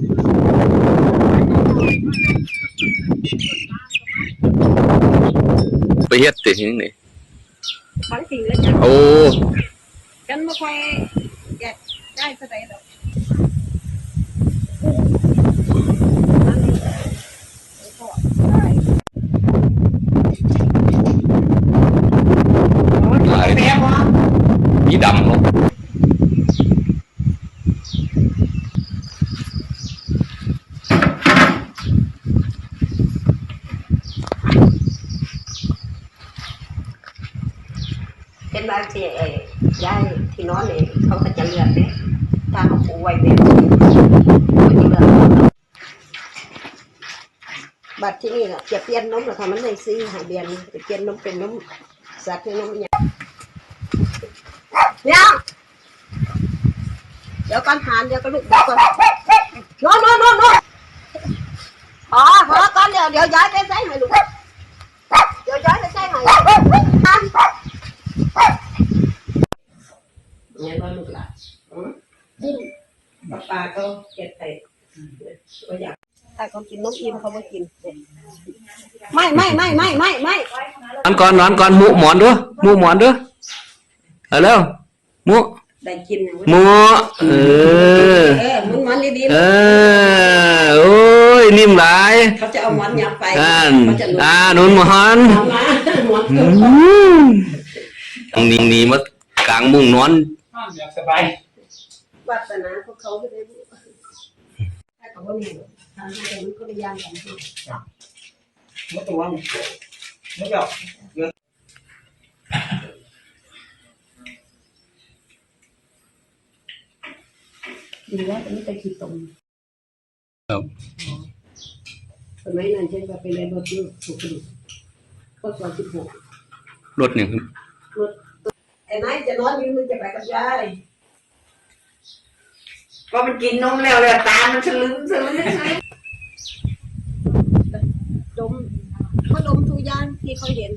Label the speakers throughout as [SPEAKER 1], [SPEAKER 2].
[SPEAKER 1] ไปเฮ็ดติที่นี่
[SPEAKER 2] ทั้งสิ่งเลยจ้ะ
[SPEAKER 1] โอ้
[SPEAKER 2] ฉันไม่ค่อยแกะได้เท่าไหร่หรอก
[SPEAKER 1] หลายมีดำเนาะ
[SPEAKER 2] เป็นบางทีย้ายที่นอนเนี่ยเขาก็จะเลือกเนี่ยถ้าเขาปูไว้แบบนี้เขาจะเลือกบัตรที่นี่น่ะจะเปลี่ยนนมหรือทำมันในซีหาเบียนจะเปลี่ยนนมเป็นนมสัตว์เป็นนมเนี่ยเดี๋ยวก่อนหานเดี๋ยวก็ลุกเดี๋ยวก่อนนอนพอก่อนเดี๋ยวย้ายไปใส่ให้ลูกเดี๋ยวย้ายไปใส่ให้ไงบ้างลูกหลานดิ้นปลาก็เก็บไปก็อยากถ้าเขากินนมอิ่มเขาไม่กินไม่
[SPEAKER 1] นอนก่อนหมูหมอนด้วยเอาแล้วหมู
[SPEAKER 2] ได้กิน
[SPEAKER 1] หมู
[SPEAKER 2] มึงมันดี
[SPEAKER 1] โอ้ยนิ่มหลาย
[SPEAKER 2] เขาจะเอาหมอนยับไป
[SPEAKER 1] หนุนหมอนตรงนี้มากลางมุ้งนอน
[SPEAKER 3] อยากสบาย
[SPEAKER 2] วัฒนาพวกเขาไม่ได้ถ้าเขาไม่มีทางให้มันก็พยายามอย่างนี้
[SPEAKER 3] ไม่ตัวไม่หยอก
[SPEAKER 2] ดีแล้วอันนี้ไปขีดตรง
[SPEAKER 1] ครับ
[SPEAKER 2] สมัยนั้นเช่นว่าไปเรียนรถอยู่ถูกกระดูกก็สอน16
[SPEAKER 1] รถเนี่ย
[SPEAKER 2] รถไอ้นายจะนอนอยู่มึงจะไปกับยาย
[SPEAKER 4] ก็มันกินนมแล้วเลยตามันสลึม
[SPEAKER 2] ดมเขาดมทุกอย่างที่เขาเห็น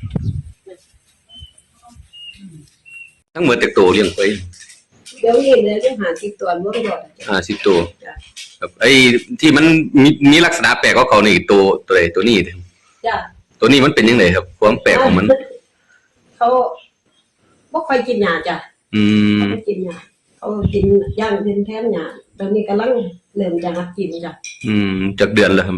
[SPEAKER 1] ทั้งหมดแต่โตเลี้ยงไป
[SPEAKER 2] เดี๋ยวนี้เลยจะ50 ตัวมั้งบ่
[SPEAKER 1] 50 ตัวครับไอ้ที่มันมีลักษณะแปลกกว่าเขานี่ตัวนี้
[SPEAKER 2] จ้ะ
[SPEAKER 1] ตัวนี้มันเป็นยังไงครับความแปลกของมัน
[SPEAKER 2] เขาบ่ค่อยกินหญ้าจ้ะเขาไม่กินหญ้าเขากินย่างเป็นแทนหญ้าตอนนี้กำลังเริ่มจะหัดกินจ้ะ
[SPEAKER 1] จากเดือนแล้วครับ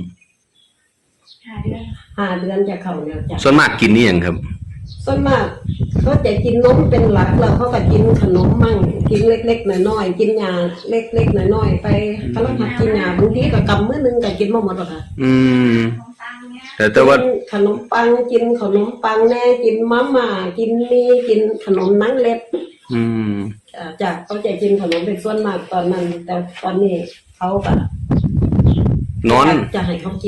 [SPEAKER 2] 5 เดือนจะเข้าแล้วจ้ะ
[SPEAKER 1] ส่วนมากกินนี่ยังครับ
[SPEAKER 2] ส่วนมากเขาจะกินนมเป็นหลักแล้วเขาก็กินขนมมั่งกินเล็กๆน้อยๆกินหญ้าเล็กๆน้อยๆไปกำลังหัดกินหญ้าบางทีก็กำมื้อนึงก็กินบ่หมดหรอกค่ะ
[SPEAKER 1] แต่ว่า
[SPEAKER 2] ขนมปังกินขนมปังแน่กินมาม่ากินมีกินขนมนังเล็บจากเขาจะกินขนมเป็นส่วนมากตอนนั้นแต่ตอนนี้เขาก็
[SPEAKER 1] นอน
[SPEAKER 2] จะให้เขากิน